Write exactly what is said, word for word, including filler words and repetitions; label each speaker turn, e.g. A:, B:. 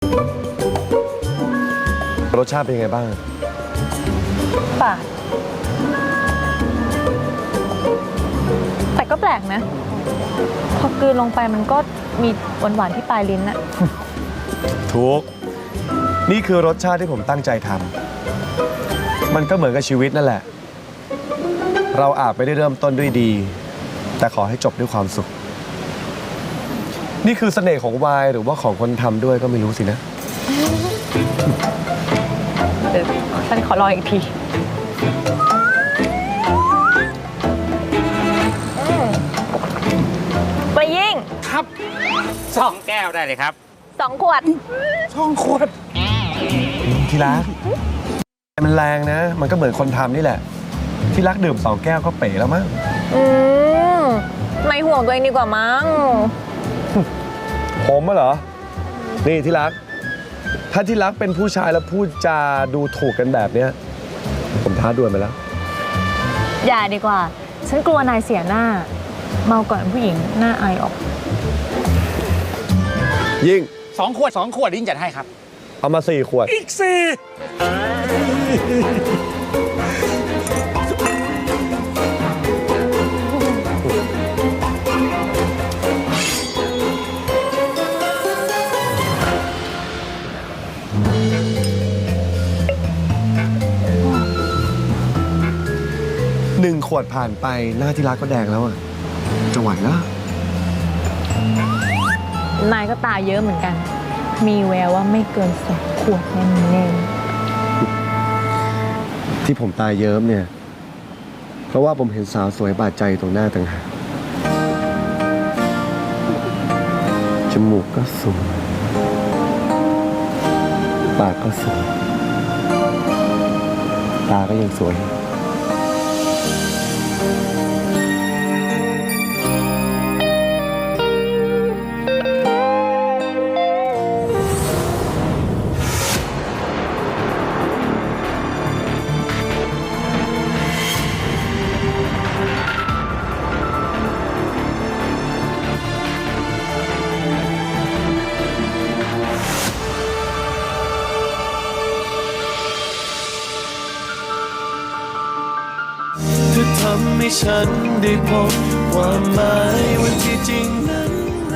A: รสชาติเป็นยังไงบ้าง
B: ฝาดแต่ก็แปลกนะ พอกลืนลงไปมันก็มีหวานๆที่ปลายลิ้นอะ
A: ถูกนี่คือรสชาติที่ผมตั้งใจทำมันก็เหมือนกับชีวิตนั่นแหละ เราอาจไม่ได้เริ่มต้นด้วยดี แต่ขอให้จบด้วยความสุขนี่คือเสน่ห์ของไวน์หรือว่าของคนทำด้วยก็ไม่รู้สินะ
B: เดี๋ยวฉันขอลองอีกทีไปยิ่ง
C: ครับสองแก้วได้เลยครับ
B: สองขวด
C: สองขวด
A: ที่รักมันแรงนะ มันก็เหมือนคนทำนี่แหละที่รักดื่มสองแก้วก็เป๋แล้วมั้ง
B: อืมไม่ห่วงตัวเองดีกว่ามั้ง
A: ผมอะเหรอนี่ที่รักถ้าที่รักเป็นผู้ชายแล้วพูดจาดูถูกกันแบบเนี้ยผมท้าดวลไปแล้ว
B: อย่าดีกว่าฉันกลัวนายเสียหน้าเมาก่อนผู้หญิงหน้าอายออก
A: ยิ่ง
C: สองขวดสองขวดยิ่งจัดให้ครับ
A: เอามาสี่ขวด
C: อีกสี่
A: หนึ่งขวดผ่านไปหน้าที่รักก็แดงแล้วอ่ะจะไหวแล้ว
B: นายก็ตาเยอะเหมือนกันมีแววว่าไม่เกินสองขวดแน่
A: ๆที่ผมตาเยิ้มเนี่ยเพราะว่าผมเห็นสาวสวยบาดใจตรงหน้าต่างหากจมูกก็สวยปากก็สวยตาก็ยังสวย
D: ทำให้ฉันได้พบความหมายว่าที่จริง